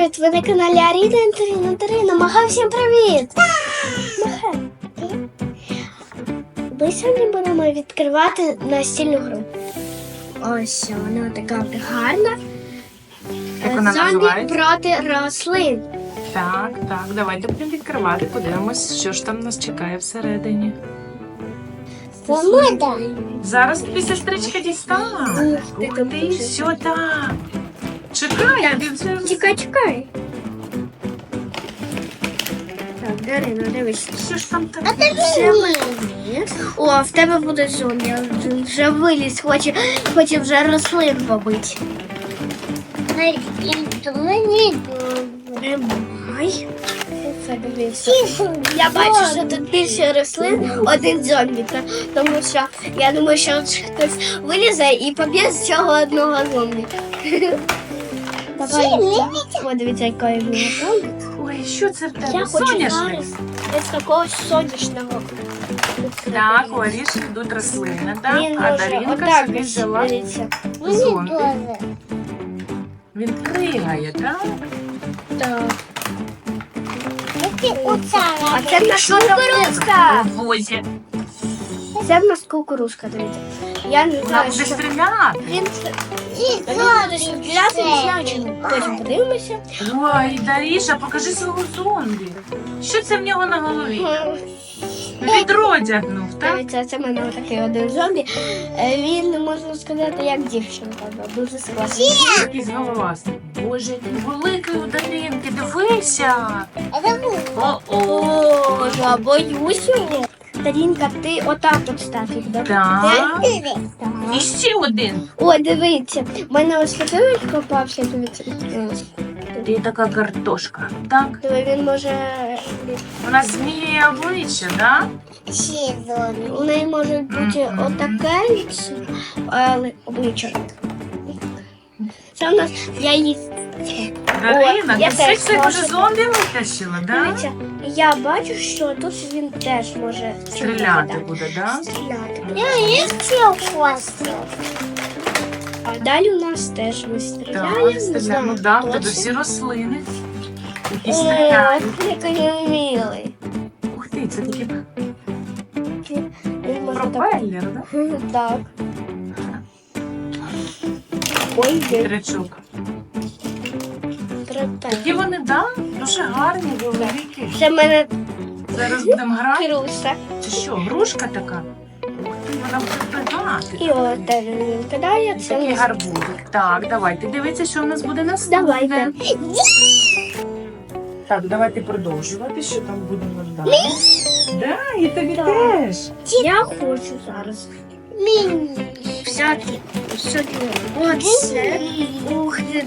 Привіт! Ви на каналі Аріна Мага, всім привіт! Мага. Ми сьогодні будемо відкривати настільну гру. Ось вона така гарна. Як вона Зомбі називається? проти рослин. Так, давайте будемо відкривати, подивимось, що ж там нас чекає всередині. Зараз тобі сестричка дістане. Ти Ух там ти, дуже. що там? Чекай, ти вже... Чекай. Так, Дарина, дивись. Що ж там таке? Це виліз. О, в тебе буде зомбі. Він вже виліз, хоче вже рослин побити. Тримай. Я бачу, що тут більше рослин, один зомбі, тому що я думаю, що хтось вилізе і поб'є з цього одного зомбі. Давай. О, дивіться, який він зомбі. Ой, що це в тебе? Я хочу Соняшник? зараз з такого сонячного. Так, у Аріші йдуть рослини, так? Він А може Дарінка отак собі ось, взяла дивіться. зомбі. Він пригає, так? Так. А це в нас кукурузка. У возі. Це в нас кукурузка, дивіться. Я не Вона знаю, буде що стріляти. він буде стріляти, не знаю, чому. Потім подивимося. Ой, Даріша, покажи свого зомбі. Що це в нього на голові? Відро дягнув, так? Дивіться, це в мене такий один зомбі. Він, можна сказати, як дівчинка. Дуже складний. Якийсь головастий. Боже, який великий у Даринки, дивися. О-о. О, я боюсь його. Дарінка, ти отак от став їх, добре? Так. І Так. ще один. О, дивіться, в мене ось фотовик попався, дивіться. Ти така картошка, так? Диви, він може... Вона змінює обличчя, так? У неї може бути отаке лице, але обличчя. Це у нас я її... Дарина, я ти теж всіх можу. вже зомбі витащила, так? Дивіться, я бачу, що тут він теж може Стріляти буде, так? Стріляти. Я А далі у нас теж ми Так, стріляємо. не стріляємо. знаю, Ну так, точно. тут всі рослини. Які Ой, стріляють. який він милий. Ух ти, це такі Він може так... пропеллер, так? Так. Ой, він Вітрячок. трапе. Такі вони, так? Дуже гарні, великі. Це в мене Зараз будемо грати. круса. Це що, грушка така? Ух ти, вона буде пригати. І от теж він кидає. Це Такий у нас... гарбузик. Так, давайте дивіться, що в нас буде наступне. Давайте. Так, давайте продовжувати, що там будемо далі. Да, і тобі теж. Я хочу зараз взяти оце. Ух ти,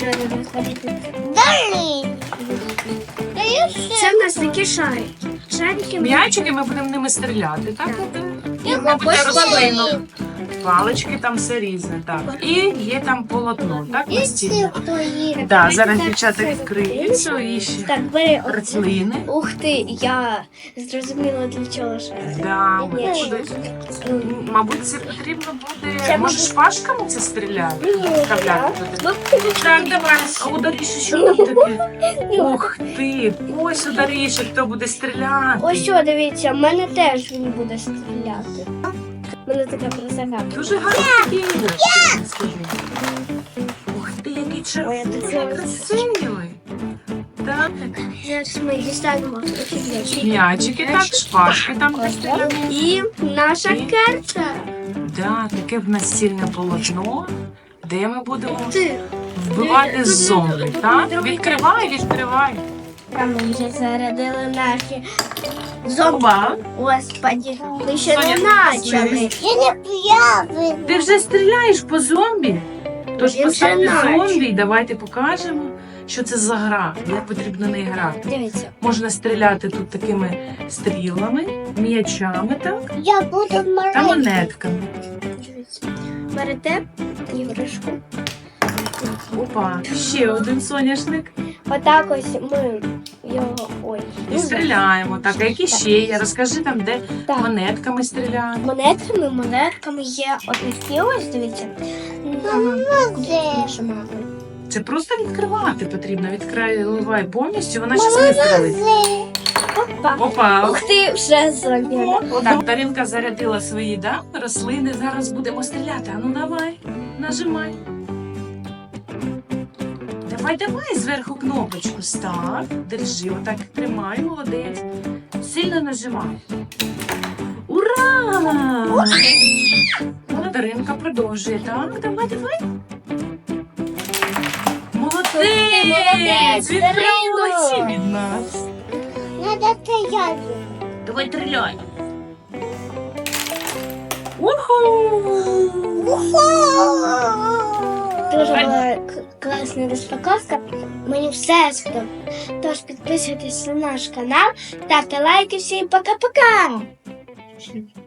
це в нас такі шарики. Шарики М'ячики ми будемо ними стріляти, так? І, Так. мабуть, Ось рослинок. Палички там все різне, так. І є там полотно, так, настільне. Так, зараз дівчата відкриють свої ще Так, бери оце. рослини. Ух ти, я зрозуміла для чого шарик. Да, Ні. мабуть, це потрібно буде. Це Може, буде- шпажками це стріляти? Вставляти туди. Ну, Так, давай. А у Даріші що там таке? Ух ти, ось у Даріші хто буде стріляти. ось що, дивіться, в мене теж він буде стріляти. У мене така красота. Дуже гарні такі іграшки, скажи. Ух ти, який Ой, червоний, я так красивий. Так, Зараз ми дістанемо м'ячики, так, шпажки там де стріляємо. І наша карта. Да, таке в нас стільне полотно, де ми будемо Ти. вбивати зомбі, так? Відкривай. Там ми вже зарядили наші зомби. Господи, ми ще не Соня, почали. Ти вже стріляєш по зомбі? Тож Він постав вже наче. зомбі і давайте покажемо, що це за гра, як потрібно неї грати. Дивіться. Можна стріляти тут такими стрілами, м'ячами, так? Я буду Та маленький. монетками. Дивіться. Берете іграшку. Опа, ще один соняшник. Отак ось ми його. Ой. І стріляємо. Так, а які ще є? Розкажи там, де Так. монетками стріляємо. Монетками є отакі ось, дивіться. Нажимати. Це просто відкривати потрібно. Відкривай повністю, вона щас вистрелить. Опа. Опа! Ух ти, вже зробила. Так, Даринка зарядила свої, да, рослини. Зараз будемо стріляти. А ну давай, нажимай. Давай зверху кнопочку став. Держи, отак тримай, молодець. Сильно нажимай. Ура! Даринка продовжує. Так, давай. Молодець! молодець, Відправилася Дарино! від нас. Надо стоять. Давай стріляй. Уху! Дуже була класна розпаковка. Мені все сподобалося. Тож підписуйтесь на наш канал, ставте лайки. Всім пока-пока!